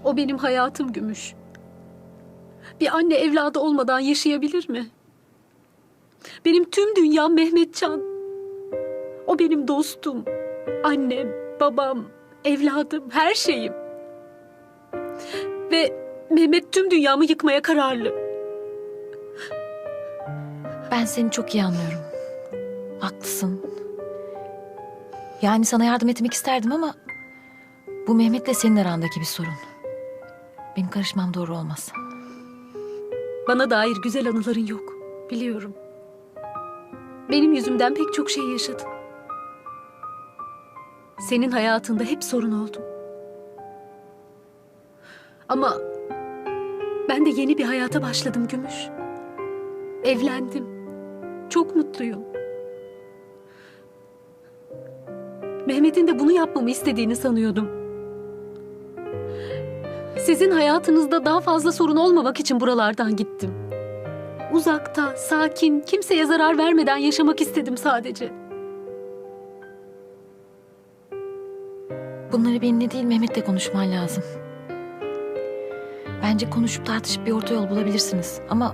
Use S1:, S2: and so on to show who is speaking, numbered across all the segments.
S1: O benim hayatım Gümüş. Bir anne evladı olmadan yaşayabilir mi? Benim tüm dünyam Mehmetcan. O benim dostum, annem, babam, evladım, her şeyim. Ve Mehmet tüm dünyamı yıkmaya kararlı.
S2: Ben seni çok iyi anlıyorum. Haklısın. Yani sana yardım etmek isterdim ama bu Mehmet'le senin arandaki bir sorun. Benim karışmam doğru olmaz.
S1: Bana dair güzel anıların yok, biliyorum. Benim yüzümden pek çok şey yaşadın. Senin hayatında hep sorun oldum. Ama ben de yeni bir hayata başladım Gümüş. Evlendim. Çok mutluyum. Mehmet'in de bunu yapmamı istediğini sanıyordum. Sizin hayatınızda daha fazla sorun olmamak için buralardan gittim. Uzakta, sakin, kimseye zarar vermeden yaşamak istedim sadece.
S2: Bunları benimle değil Mehmet'le konuşman lazım. Bence konuşup tartışıp bir orta yol bulabilirsiniz. Ama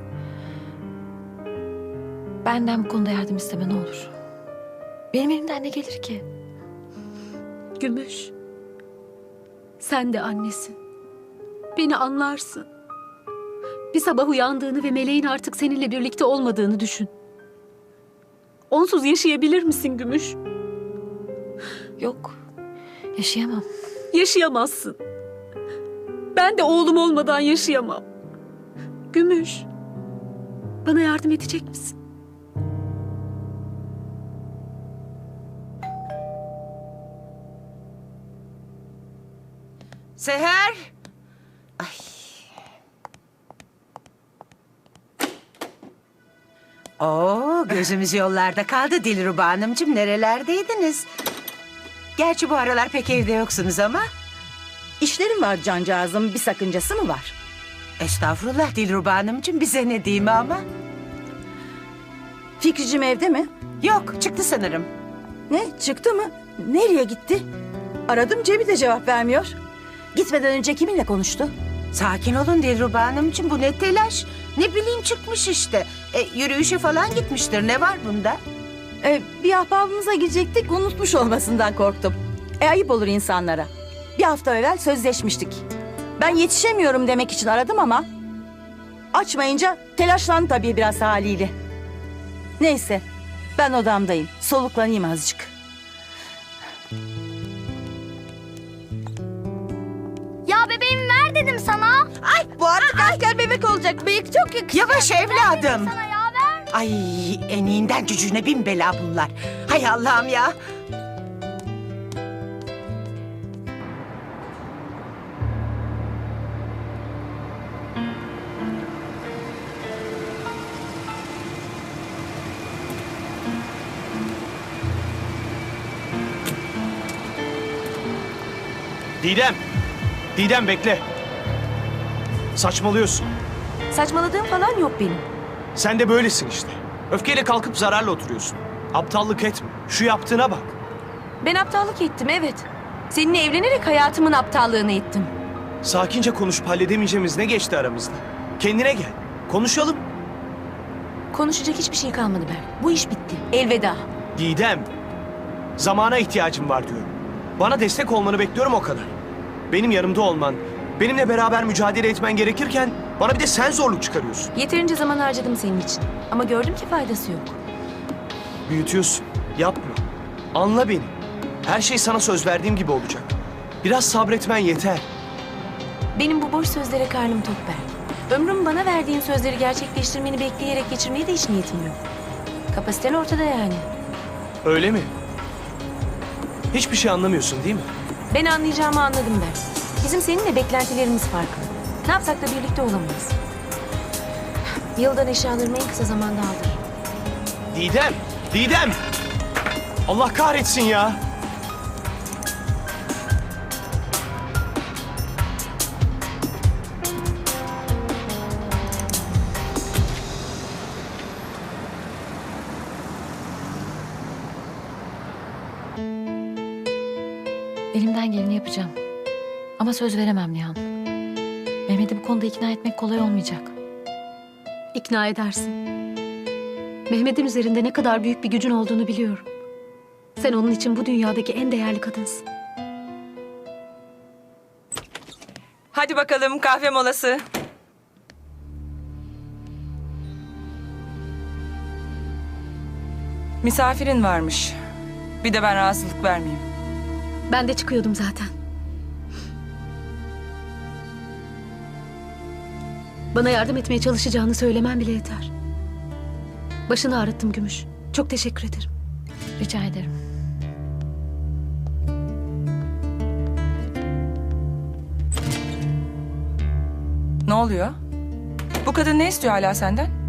S2: benden bu konuda yardım isteme ne olur. Benim elimden ne gelir ki?
S1: Gümüş, sen de annesin. Beni anlarsın. Bir sabah uyandığını ve meleğin artık seninle birlikte olmadığını düşün. Onsuz yaşayabilir misin Gümüş?
S2: Yok, yaşayamam.
S1: Yaşayamazsın. Ben de oğlum olmadan yaşayamam. Gümüş, bana yardım edecek misin?
S3: Seher. Ay. Oo, gözümüz yollarda kaldı Dilruba Hanımcığım. Nerelerdeydiniz? Gerçi bu aralar pek evde yoksunuz ama.
S4: İşlerim var cancağızım, bir sakıncası mı var?
S3: Estağfurullah Dilruba Hanımcığım, bize ne diyeyim ama.
S4: Fikricim evde mi?
S3: Yok, çıktı sanırım.
S4: Ne, çıktı mı? Nereye gitti? Aradım, Cebi de cevap vermiyor. Gitmeden önce kiminle konuştu?
S3: Sakin olun Dilruba Hanımcığım, bu ne telaş? Ne bileyim, çıkmış işte. Yürüyüşe falan gitmiştir, ne var bunda?
S4: Bir ahbabımıza gidecektik, unutmuş olmasından korktum. Ayıp olur insanlara. Bir hafta evvel sözleşmiştik. Ben yetişemiyorum demek için aradım ama... açmayınca telaşlandı tabii biraz haliyle. Neyse, ben odamdayım. Soluklanayım azıcık.
S5: Ya bebeğimi ver dedim sana.
S4: Ay, bu artık asker bebek olacak. Bıyık çok yakışıyor.
S3: Yavaş evladım.
S5: Sana ya ver.
S3: Ay, eniğinden cücüğüne bin bela bunlar. Hay Allah'ım ya.
S6: Didem! Didem bekle. Saçmalıyorsun.
S2: Saçmaladığım falan yok benim.
S6: Sen de böylesin işte. Öfkeyle kalkıp zararla oturuyorsun. Aptallık etme. Şu yaptığına bak.
S2: Ben aptallık ettim, evet. Seninle evlenerek hayatımın aptallığını ettim.
S6: Sakince konuşup halledemeyeceğimiz ne geçti aramızda? Kendine gel. Konuşalım.
S2: Konuşacak hiçbir şey kalmadı Berk. Bu iş bitti. Elveda.
S6: Didem. Zamana ihtiyacım var diyorum. Bana destek olmanı bekliyorum, o kadar. Benim yanımda olman, benimle beraber mücadele etmen gerekirken bana bir de sen zorluk çıkarıyorsun.
S2: Yeterince zaman harcadım senin için. Ama gördüm ki faydası yok.
S6: Büyütüyorsun. Yapma. Anla beni. Her şey sana söz verdiğim gibi olacak. Biraz sabretmen yeter.
S2: Benim bu boş sözlere karnım tok Berk. Ömrüm bana verdiğin sözleri gerçekleştirmeni bekleyerek geçirmeye de hiç niyetim yok. Kapasiten ortada yani.
S6: Öyle mi? Hiçbir şey anlamıyorsun değil mi?
S2: Ben anlayacağımı anladım Berk. Bizim seninle beklentilerimiz farklı. Ne yapsak da birlikte olamayız. Yıldan eşyalarımı en kısa zamanda aldır.
S6: Didem! Didem! Allah kahretsin ya!
S2: Elimden geleni yapacağım. Ama söz veremem Nihan. Mehmet'i bu konuda ikna etmek kolay olmayacak.
S1: İkna edersin. Mehmet'in üzerinde ne kadar büyük bir gücün olduğunu biliyorum. Sen onun için bu dünyadaki en değerli kadınsın.
S7: Hadi bakalım kahve molası. Misafirin varmış. Bir de ben rahatsızlık vermeyeyim.
S1: Ben de çıkıyordum zaten. Bana yardım etmeye çalışacağını söylemen bile yeter. Başını ağrıttım Gümüş. Çok teşekkür ederim.
S2: Rica ederim.
S7: Ne oluyor? Bu kadın ne istiyor hala senden?